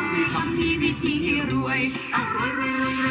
มีคำมีวิธีรวยเอารวย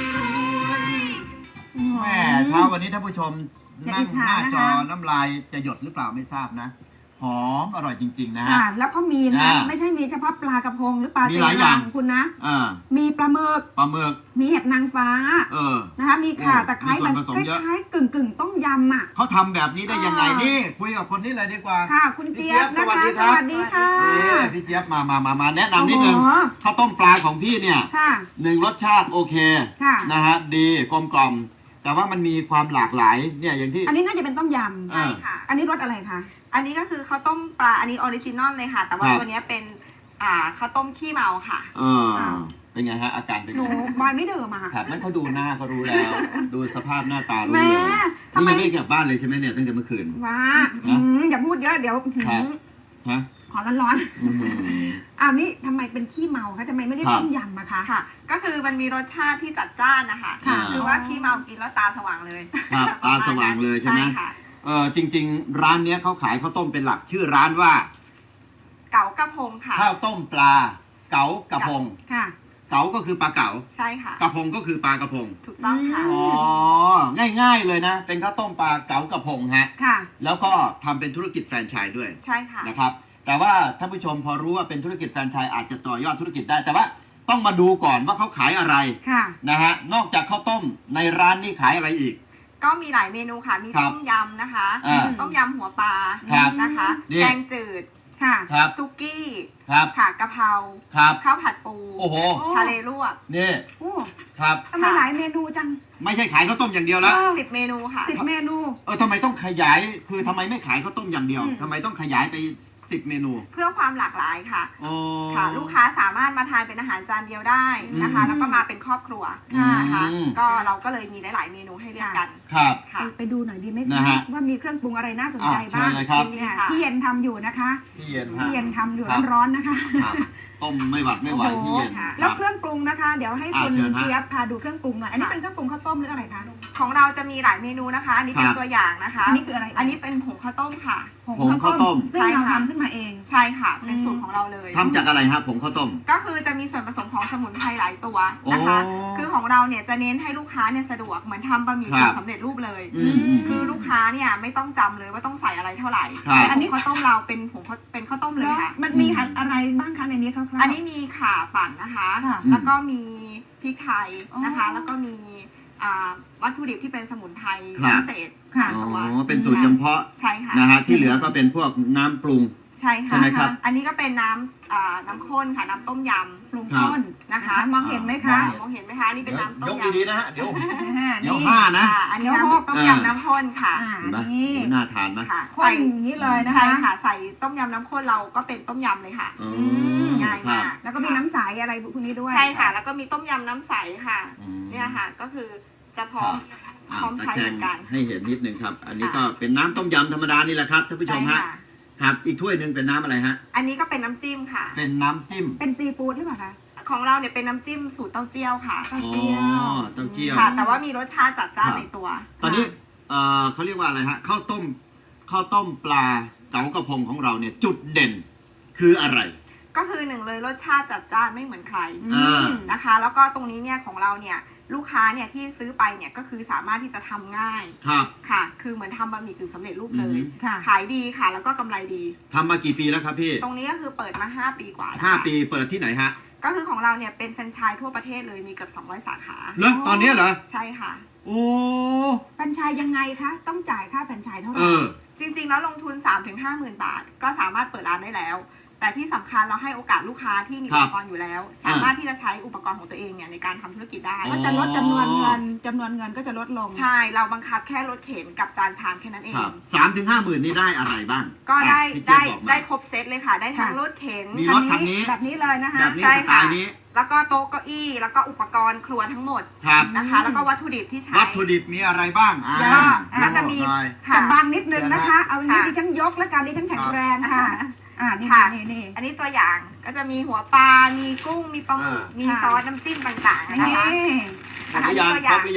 แม่เช้าวันนี้ท่านผู้ชมนั่งหน้าจอน้ำลายจะหยดหรือเปล่าไม่ทราบนะหอมอร่อยจริงๆนะฮะแล้วก็มีนะไม่ใช่มีเฉพาะปลากระพงหรือปลาเต็มรังคุณนะมีปลาหมึกมีเห็ดนางฟ้านะคะมีข่าตะไคร้มันคล้ายๆกึ่งต้มยำอ่ะเขาทำแบบนี้ได้ยังไงนี่คุยกับคนนี้เลยดีกว่าค่ะคุณเจี๊ยบนะคะสวัสดีค่ะพี่เจี๊ยบมาแนะนำนิดนึงข้าวต้มปลาของพี่เนี่ย1รสชาติโอเคนะฮะดีกลมกล่อมแต่ว่ามันมีความหลากหลายเนี่ยอย่างที่อันนี้น่าจะเป็นต้มยำใช่ค่ะอันนี้รสอะไรคะอันนี้ก็คือข้าวต้มปลาอันนี้ออริจินอลเลยค่ะแต่ว่าตัวนี้เป็นข้าวต้มขี้เมาค่ะเป็นไงฮะอาการเป็นไงหนูบอยไม่เดิมอะค่ะนั่นเขาดูหน้าเขารู้แล้วดูสภาพหน้าตารู้เลยนี่ยังไม่กลับบ้านเลยใช่ไหมเนี่ยตั้งแต่เมื่อคืนว้าอย่าพูดเยอะเดี๋ยวฮะขอร้อนๆนี่ทำไมเป็นขี้เมาคะทำไมไม่ได้ต้มยำอะคะค่ะก็คือมันมีรสชาติที่จัดจ้านนะคะคือว่าขี้เมากินแล้วตาสว่างเลยครับตาสว่างเลยใช่ไหมจริงๆร้านเนี้ยเขาขายข้าวต้มเป็นหลักชื่อร้านว่าเก๋ากระพงค่ะข้าวต้มปลาเก๋ากระพงค่ะเก๋าก็คือปลาเก๋าใช่ค่ะกระพงก็คือปลากระพงถูกต้องค่ะง่ายๆเลยนะเป็นข้าวต้มปลาเก๋ากระพงฮะค่ะแล้วก็ทำเป็นธุรกิจแฟรนไชส์ด้วยใช่ค่ะนะครับแต่ว่าท่านผู้ชมพอรู้ว่าเป็นธุรกิจแฟรนไชส์อาจจะต่อยอดธุรกิจได้แต่ว่าต้องมาดูก่อนว่าเขาขายอะไรนะฮะนอกจากข้าวต้มในร้านนี้ขายอะไรอีกก็มีหลายเมนูค่ะมีต้มยำนะคะต้มยำหัวปลานะคะแกงจืดค่ะซุกี้ค่ะกะเพราข้าวผัดปูทะเลลวกนี่ครับทำไมหลายเมนูจังไม่ใช่ขายข้าวต้มอย่างเดียวแล้ว 10 เมนูค่ะ 10 เมนูทำไมต้องขยายคือทำไมไม่ขายข้าวต้มอย่างเดียวทำไมต้องขยายไป10 เมนูเพื่อความหลากหลายค่ะค่ะลูกค้าสามารถมาทานเป็นอาหารจานเดียวได้นะคะแล้วก็มาเป็นครอบครัวนะคะก็เราก็เลยมีหลายๆเมนูให้เลือกกันครับไปดูหน่อยดีไหมคะว่ามีเครื่องปรุงอะไรน่าสนใจบ้างพี่เย็นทำอยู่นะคะพี่เย็นทำอยู่ร้อนๆนะคะต้มไม่หวัดไม่ไหวพี่เย็นแล้วเครื่องปรุงนะคะเดี๋ยวให้คุณเจี๊ยบพาดูเครื่องปรุงหน่อยอันนี้เป็นเครื่องปรุงข้าวต้มหรืออะไรคะของเราจะมีหลายเมนูนะคะอันนี้เป็นตัวอย่างนะคะอันนี้คืออะไรอันนี้เป็นผงข้าวต้มค่ะผงข้าวต้มซึ่งเราทำขึ้นมาเองใช่ค่ะเป็นสูตรของเราเลยทำจากอะไรครับผงข้าวต้มก็คือจะมีส่วนผสมของสมุนไพรหลายตัวนะคะคือของเราเนี่ยจะเน้นให้ลูกค้าเนี่ยสะดวกเหมือนทำบะหมี่กึ่งสำเร็จรูปเลยคือลูกค้าเนี่ยไม่ต้องจำเลยว่าต้องใส่อะไรเท่าไหร่แต่อันนี้ข้าวต้มเราเป็นผงเป็นข้าวต้มเลยค่ะมันมีอะไรบ้างคะในนี้คร่าวๆอันนี้มีข่าปั่นนะคะแล้วก็มีพริกไทยนะคะแล้วก็มีวัตถุดิบที่เป็นสมุนไพรพิเศษตัวเป็นสูตรเฉพาะใช่ค่ะนะฮะที่เหลือก็เป็นพวกน้ำปรุงใช่ค่ะใช่ไหมครับอันนี้ก็เป็นน้ำข้นค่ะน้ำต้มยำปรุงข้นนะคะมองเห็นไหมคะมองเห็นไหมคะนี่เป็นน้ำต้มยยกดีๆนะฮะเดี๋ยว5นะอันนี้น้ำต้มยำน้ำข้นค่ะนี่น่าทานนะใส่อย่างนี้เลยนะคะใช่ค่ะใส่ต้มยำน้ำข้นเราก็เป็นต้มยำเลยค่ะง่ายมากแล้วก็มีน้ำใสอะไรพวกนี้ด้วยใช่ค่ะแล้วก็มีต้มยำน้ำใสค่ะเนี่ยค่ะก็คือจะพร้อมใช้เหมือนกันให้เห็นนิดนึงครับอันนี้ก็เป็นน้ำต้มยำธรรมดานี่แหละครับท่านผู้ชมฮะครับอีกถ้วยหนึ่งเป็นน้ำอะไรฮะอันนี้ก็เป็นน้ำจิ้มค่ะเป็นน้ำจิ้มเป็นซีฟู้ดหรือเปล่าคะของเราเนี่ยเป็นน้ำจิ้มสูตรเต้าเจี้ยวค่ะเต้าเจี้ยวค่ะแต่ว่ามีรสชาติจัดจ้านในตัวตอนนี้เขาเรียกว่าอะไรฮะข้าวต้มปลาเก๋ากระพงของเราเนี่ยจุดเด่นคืออะไรก็คือ1เลยรสชาติจัดจ้านไม่เหมือนใครนะคะแล้วก็ตรงนี้เนี่ยของเราเนี่ยลูกค้าเนี่ยที่ซื้อไปเนี่ยก็คือสามารถที่จะทำง่ายค่ะคือเหมือนทำบะหมี่กึ่งสำเร็จรูปเลยขายดีค่ะแล้วก็กำไรดีทำมากี่ปีแล้วครับพี่ตรงนี้ก็คือเปิดมา5 ปีกว่า 5 ปีเปิดที่ไหนฮะก็คือของเราเนี่ยเป็นแฟรนไชส์ทั่วประเทศเลยมีเกือบ200 สาขาเหรอตอนนี้เหรอใช่ค่ะโอ้แฟรนไชส์ยังไงคะต้องจ่ายค่าแฟรนไชส์เท่าไหร่จริงๆแล้วลงทุน 3-50,000 บาทก็สามารถเปิดร้านได้แล้วแต่ที่สำคัญเราให้โอกาสลูกค้าที่มีอุปกรณ์อยู่แล้วสามารถที่จะใช้อุปกรณ์ของตัวเองเนี่ยในการทำธุรกิจได้ก็จะลดจำนวนเงินก็จะลดลงใช่เราบังคับแค่รถเข็นกับจานชามแค่นั้นเอง 3-50,000นี่ได้อะไรบ้างก็ได้ครบเซตเลยค่ะได้ทั้งรถเข็นมีรถคันนี้แบบนี้เลยนะคะใช่ค่ะแล้วก็โต๊ะเก้าอี้แล้วก็อุปกรณ์ครัวทั้งหมดนะคะแล้วก็วัตถุดิบที่ใช้วัตถุดิบมีอะไรบ้างก็จะมีจะบางนิดนึงนะคะเอาอย่างนี้ดิฉันยกแล้วกันดิฉันแข็งแรงค่ะนี่อันนี้ตัวอย่างก็จะมีหัวปลา มีกุ้ง มีปลาหมึกมีซอสน้ำจิ้มต่างๆนะคะครบหรือยัง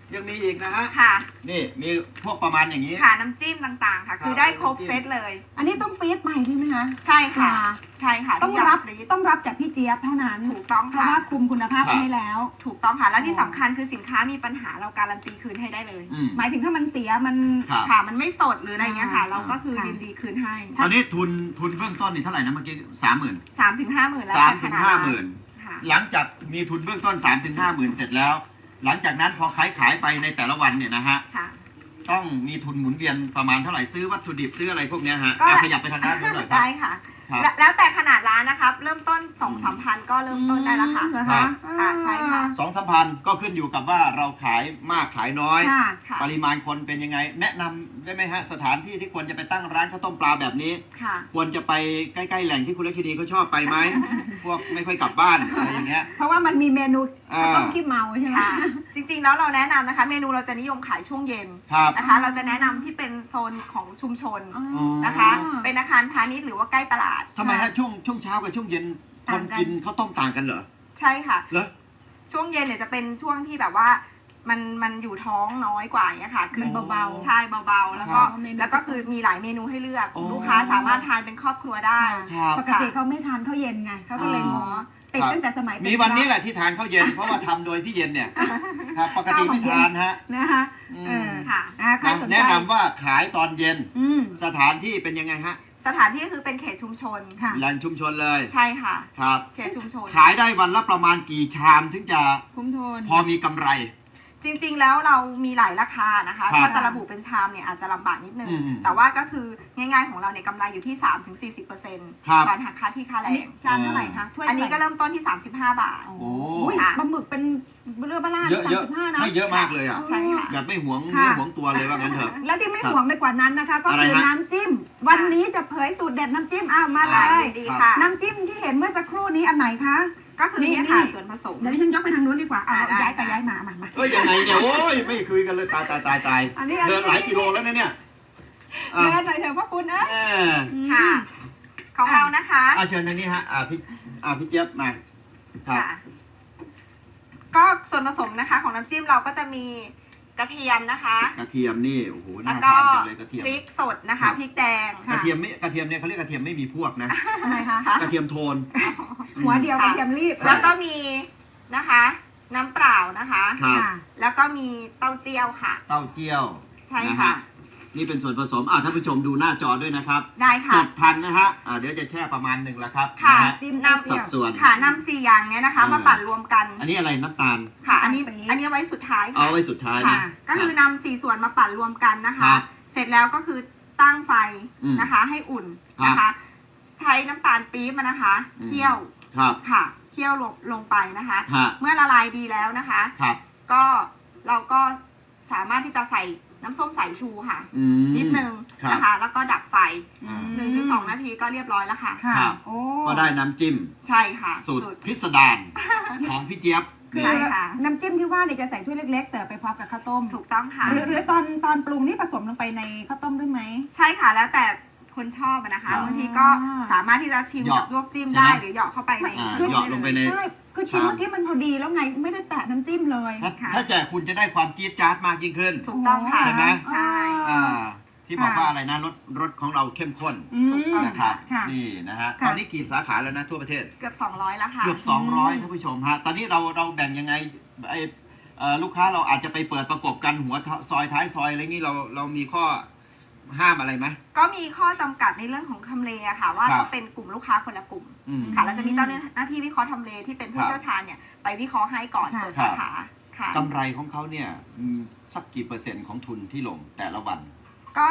ยังมีอีกนะฮะค่ะนี่มีพวกประมาณอย่างนี้ค่ะน้ำจิ้มต่างๆค่ะ คือได้ครบเซตเลยอันนี้ต้องฟรีซใหม่ใช่ไหมคะใช่ค่ะ ใช่ค่ะต้องทุกย่ารับฟรีซต้องรับจากพี่เจี๊ยบเท่านั้นถูกต้องเพราะค่ะว่าคุมคุณภาพครับให้แล้วถูกต้องค่ะ และที่สำคัญคือสินค้ามีปัญหาเราการันตีคืนให้ได้เลยอืมหมายถึงถ้ามันเสียมันครับค่ะ มันไม่สดหรืออะไรเงี้ยค่ะ เราก็คือค่ะยินดีคืนให้ตอนนี้ทุนเบื้องต้นนี่เท่าไหร่นะเมื่อกี้30,000 3 ถึง 50,000แล้ว 3 ถึง 50,000 ค่ะหลังจากมีทุนเบื้องต้น3 ถึง 50,000 เสร็จแล้ว หลังจากนั้นพอขายไปในแต่ละวันเนี่ยนะฮะค่ะต้องมีทุนหมุนเวียนประมาณเท่าไหร่ซื้อวัตถุดิบซื้ออะไรพวกเนี้ยฮะก็ขยับไปทางด้านนู้นหน่อยครับได้ค่ะครับแล้วแต่ขนาดร้านนะครับ เริ่มต้น 2-3 พันก็เริ่มต้นได้แล้วค่ะเหรอครัคะบค่ะใช่ค่ะ 2-3 พันก็ขึ้นอยู่กับว่าเราขายมากขายน้อยค่ะค่ะปริมาณคนเป็นยังไง แนะนำได้ไหมฮะสถานที่ที่ควรจะไปตั้งร้านข้าวต้มปลาแบบนี้ค่ะควรจะไปใกล้ๆแหล่งที่คุณลักษณีเขาชอบไปไหม พวกไม่ค่อยกลับบ้านอะไรอย่างเงี้ยเพราะว่ามันมีเมนูอ่าข้าวต้มขี้เมาใช่ไหมค่ะ จริงๆแล้วเราแนะนำนะคะ เมนูเราจะนิยมขายช่วงเย็นครับนะคะ เราจะแนะนำที่เป็นโซนของชุมชนอ๋อนะคะ เป็นอาคารพาณิชย์หรือว่าใกล้ตลาดทำไมฮะช่วงเช้ากับช่วงเย็นคนต่างกันกินข้าวต้มต่างกันเหรอใช่ค่ะเหรอช่วงเย็นเนี่ยจะเป็นช่วงที่แบบว่ามันอยู่ท้องน้อยกว่าอย่างเงี้ยค่ะ คือมันเบาๆใช่เบาๆ แล้วก็เมนูแล้วก็คือมีหลายเมนูให้เลือกโอ้ลูกค้าสามารถทานเป็นครอบครัวได้ครับปกติเขาไม่ทานข้าวเย็นไงเขาก็เลยงงติดตั้งแต่สมัยเป็มีวันนี้แหละที่ทานข้าวเย็น เพราะว่าทำโดยพี่เย็นเนี่ยครับปกติไม่ทานฮะนะคะอืมเออค่ะใครสนใจแนะนำว่าขายตอนเย็นอืมสถานที่เป็นยังไงฮะสถานที่คือเป็นเขตชุมชนค่ะแหล่งชุมชนเลยใช่ค่ะครับเขตชุมชนขายได้วันละประมาณกี่ชามถึงจะคุ้มโทนพอมีกำไรจริงๆ แล้วเรามีหลายราคานะคะครับถ้าจะระบุเป็นชามเนี่ยอาจจะลำบากนิดนึงอืมแต่ว่าก็คือง่ายๆของเราเนี่ยกำไรอยู่ที่ 3-40% ครับก่อนหักค่าที่ค่าแรอันนี้งจานเท่าไหร่คะถ้วยอันนี้ก็เริ่มต้นที่ 35 บาทโอ้โอ้โหปลาหมึกเป็นเรือบ้าล่าเยอะเยอะ 35นะให้เยอะมากเลยอ่ะใช่ค่ะแบบไม่หวงค่ะเนื้อหวงตัวเลยว่างั้นเถอะและที่ไม่ครับห่วงไปกว่านั้นนะคะ ก็อะไรคือฮะน้ำจิ้ม วันนี้จะเผยสูตรเด็ดน้ำจิ้มอ้าวมาเลค่ะยยินดีค่ะน้ำจิ้มที่เห็นเมื่อสักครู่นี้อันไหนคะก็คือเนี่ยค่ะส่วนผสมเดี๋ยวดิฉันยกไปทางนู้นดีกว่าเอาได้ย้ายไปได้ย้ายมามาเอ้ยยังไงเนี่ยโอ้ยไม่คุยกันเลยตายอันนี้เดินหลายกิโลแล้วนะเนี่ยอ่ะเดินหน่อยเถอะพ่อคุณนะแม่ค่ะ ของเรานะคะเชิญทางนี้ฮะพี่เจี๊ยบมาครับค่ะ ก็ส่วนผสมนะคะ ของน้ำจิ้มเราก็จะมีกระเทียมนะคะกระเทียมนี่โอ้โหแล้น่าวก็ทานจังเลยกระเทียมพริกสดนะครัคะบพริกแดงกระเทียมเนี่ยเขาเรียกกระเทียมไม่มีพวกนะทำไมคะกระเทียมโทนหัวเดียวกระเทียมรีบแล้วก็มีนะคะ น้ำเปล่านะคะครับค่ะแล้วก็มีเต้าเจี้ยวค่ะเต้าเจี้ยวใช่นฮค่ะนี่เป็นส่วนผสมท่านผู้ชมดูหน้าจอด้วยนะครับได้จค่ะดทันนะฮะเดี๋ยวจะแช่ประมาณหนึ่งแล้วครับค่ะนะฮะจิ้มนเต้าสัเจี้ยวดส่วนค่ะนำ4อย่างเนี้ยนะคะเออมาปั่นรวมกันอันนี้อะไรน้ำตาลค่ะ อันนี้ปี๊บอันนี้ไว้สุดท้ายเอาค่ะไว้สุดท้ายค่ะนะก็คือนำ4ส่วนมาปั่นรวมกันนะครัคะบเสร็จแล้วก็คือตั้งไฟอืมนะคะ ให้อุ่นครับนะคะ ใช้น้ำตาลปี๊บมานะคะอืมเคี่ยวครับค่ะเคี่ยวลงไปนะคะฮะเมื่อละลายดีแล้วนะคะครับก็เราก็สามารถที่จะใส่น้ำส้มสายชูค่ะอืมนิดนึงครับนะคะ แล้วก็ดับไฟอ่า 1-2 นาทีก็เรียบร้อยแล้วค่ะค่ะครับโอ้ก็ได้น้ำจิ้มใช่ค่ะสูตรพิสดารของพี่เจี๊ยบคือใช่ค่ะน้ำจิ้มที่ว่าเนี่ยจะใส่ถ้วยเล็กๆเสิร์ฟไปพร้อมกับข้าวต้มถูกต้องค่ะหรือตอนปรุงนี่ผสมลงไปในข้าวต้มด้วยไหมใช่ค่ะแล้วแต่คนชอบอะนะคะครับบางทีก็สามารถที่จะชิมเหยาะกับลวกจิ้มใช่ไหมได้หรือเหยาะเข้าไปในอ่าเครื่องเหยาะลงไปในใช่คือชิ้นครับเมื่อกี้มันพอดีแล้วไงไม่ได้แตะน้ำจิ้มเลยถ้าแจกคุณจะได้ความจี๊ดจ๊าดมากยิ่งขึ้นถูกต้องค่ะใช่ไหมใช่ที่บอกว่าอะไรนะรสของเราเข้มข้นถูกต้องนะครับค่ะนี่นะฮะค่ะตอนนี้กี่สาขาแล้วนะทั่วประเทศเกือบ200แล้วค่ะเกือบ 200ท่านผู้ชมฮะตอนนี้เราแบ่งยังไงไอลูกค้าเราอาจจะไปเปิดประกบกันหัวซอยท้ายซอยอะไรงี้เรามีข้อห้ามอะไรไหมก็มีข้อจำกัดในเรื่องของทำเลอะค่ะ ว่าครับต้องเป็นกลุ่มลูกค้าคนละกลุ่มอืมค่ะเราจะมีเจ้าหน้าที่วิเคราะห์ทำเลที่เป็นผู้ครับเชี่ยวชาญเนี่ยไปวิเคราะห์ให้ก่อนค่ะเปิดสาขาค่ะกำไรของเขาเนี่ยสักกี่เปอร์เซ็นต์ของทุนที่ลงแต่ละวันก็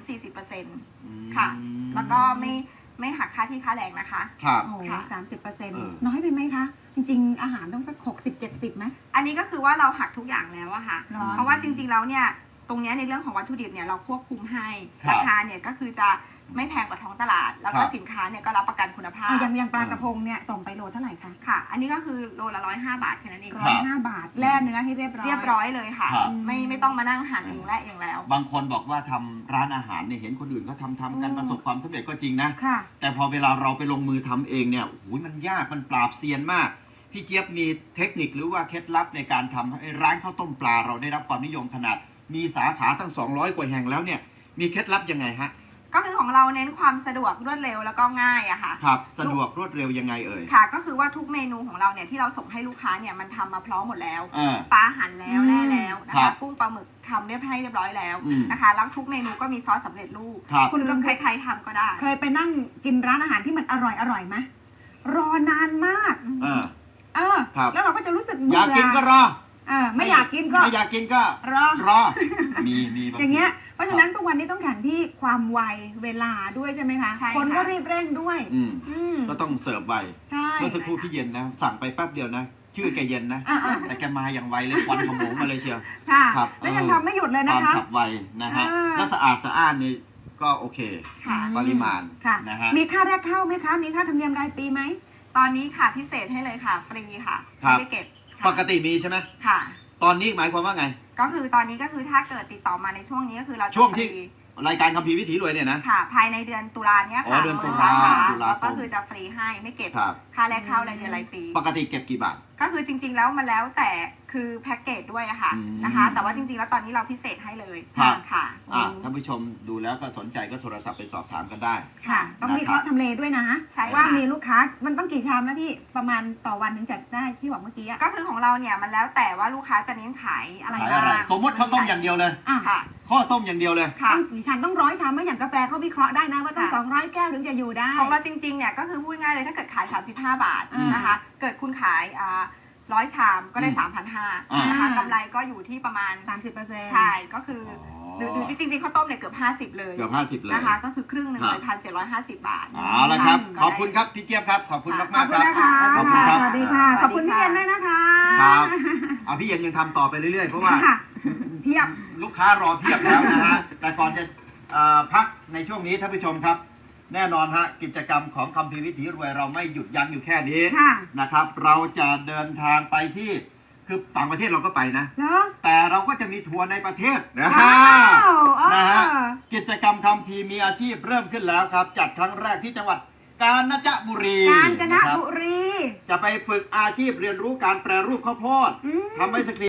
3-40% ค่ะ แล้วก็ไม่หักค่าที่ค่าแรงนะคะครับโอ้ค่ะ 30% เออน้อยไปไหมคะ จริงๆ อาหารต้องสัก60-70ไหมอันนี้ก็คือว่าเราหักทุกอย่างแล้วอะค่ะหรอเพราะว่าจริงๆแล้วเนี่ยตรงเนี้ยในเรื่องของวัตถุดิบเนี่ยเราควบคุมให้ครับราคาเนี่ยก็คือจะไม่แพงกว่าท้องตลาด แล้วก็ครับสินค้าเนี่ยก็รับประกันคุณภาพอย่างปลากระพงเนี่ยส่งไปโลเท่าไหร่คะค่ะ อันนี้ก็คือโลละ105 บาทแค่นั้นเองครับ 105 บาทแล่เนื้อให้เรียบร้อยเรียบร้อยเลยค่ะครับไม่ต้องมานั่งหั่นเองและเองแล้วบางคนบอกว่าทำร้านอาหารเนี่ยเห็นคนอื่นเขาทำกันประสบความสำเร็จก็จริงนะค่ะแต่พอเวลาเราไปลงมือทำเองเนี่ยโอ้โหมันยากมันปราบเซียนมากพี่เจี๊ยบมีเทคนิคหรือว่าเคล็ดลับในการทำให้ร้านข้าวต้มปลาเราได้รับความนิยมขนาดมีสาขาทั้ง200กว่าแห่งแล้วเนี่ยมีเคล็ดลับยังไงฮะก็คือของเราเน้นความสะดวกรวดเร็วแล้วก็ง่ายอะค่ะครับสะดวกรวดเร็วยังไงเอ่ยค่ะก็คือว่าทุกเมนูของเราเนี่ยที่เราส่งให้ลูกค้าเนี่ยมันทำมาพร้อมหมดแล้วปลาหั่นแล้วแล่แล้วนะคะกุ้งปลาหมึกทำเรียบร้อยแล้วนะคะแล้วทุกเมนูก็มีซอสสำเร็จรูปคุณใครๆทำก็ได้เคยไปนั่งกินร้านอาหารที่มันอร่อยไหมรอนานมากแล้วเราก็จะรู้สึกเบื่ออยากกินก็รอไม่อยากกินก็ไม่อยากกินก็รอมีอย่างเงี้ยเพราะฉะนั้นทุกวันนี้ต้องแข่งที่ความไวเวลาด้วยใช่ไหมคะคนก็รีบเร่งด้วยก็ต้องเสิร์ฟไวเมื่อสักครู่พี่เย็นนะสั่งไปแป๊บเดียวนะชื่อแกเย็นนะแต่แกมาอย่างไวเลยควันขโมงมาเลยเชียวครับแล้วยังทำไม่หยุดเลยนะคะความฉับไวนะฮะและสะอาดสะอ้านนี่ก็โอเคปริมาณนะฮะมีค่าแรกเข้าไหมคะมีค่าธรรมเนียมรายปีไหมตอนนี้ค่ะพิเศษให้เลยค่ะฟรีค่ะไม่ได้เก็บปกติมีใช่ไหมค่ะตอนนี้หมายความว่าไงก็คือตอนนี้ก็คือถ้าเกิดติดต่อมาในช่วงนี้ก็คือเราช่วงที่รายการคัมภีร์วิถีรวยเนี่ยนะค่ะภายในเดือนตุลาเนี้ยค่ะเดือนตุลาแล้วก็คือจะฟรีให้ไม่เก็บค่าแรกเข้ารายเดือนรายปีปกติเก็บกี่บาทก็คือจริงๆแล้วมันแล้วแต่คือแพ็กเกจด้วยอะค่ะนะคะแต่ว่าจริงๆแล้วตอนนี้เราพิเศษให้เลยค่ะท่านผู้ชมดูแล้วก็สนใจก็โทรศัพท์ไปสอบถามกันได้ค่ะต้องวิเคราะห์ทำเลด้วยนะว่ามีลูกค้ามันต้องกี่ชามนะพี่ประมาณต่อวันถึงจัดได้ที่บอกเมื่อกี้ก็คือของเราเนี่ยมันแล้วแต่ว่าลูกค้าจะเน้นขายอะไรบ้างสมมติข้าวต้มอย่างเดียวเลยค่ะข้าวต้มอย่างเดียวเลยต้องกี่ชามต้อง100 ชามไม่อย่างกาแฟเขาวิเคราะห์ได้นะว่าต้อง200 แก้วถึงจะอยู่ได้ของเราจริงๆเนี่ยก็คือพูดง่ายเลยถ้าเกิดขาย35 บาทนะคะเกิดคุณขาย100 ชามก็ได้ 3,500 นะคะกำไรก็อยู่ที่ประมาณ 30% ใช่ก็คือหรือจริงๆข้าวต้มเนี่ยเกือบ50เลยเกือบ50เลยนะคะก็คือครึ่งหนึ่งเลย1,750 บาทเอาละครับขอบคุณครับพี่เจี๊ยบครับขอบคุณมากๆครับขอบคุณครับสวัสดีค่ะขอบคุณพี่เย็นด้วยนะคะครับพี่เย็นยังทำต่อไปเรื่อยๆเพราะว่าเพียบลูกค้ารอเพียบแล้วนะฮะแต่ก่อนจะพักในช่วงนี้ท่านผู้ชมครับแน่นอนฮะกิจกรรมของคัมภีร์วิถีรวยเราไม่หยุดยั้งอยู่แค่นี้นะครับเราจะเดินทางไปที่คือต่างประเทศเราก็ไปนะแต่เราก็จะมีทัวร์ในประเทศนะฮะกิจกรรมคัมภีร์มีอาชีพเริ่มขึ้นแล้วครับจัดครั้งแรกที่จังหวัดกาญจนบุรีจะไปฝึกอาชีพเรียนรู้การแปรรูปข้าวโพดทำไอศกรีม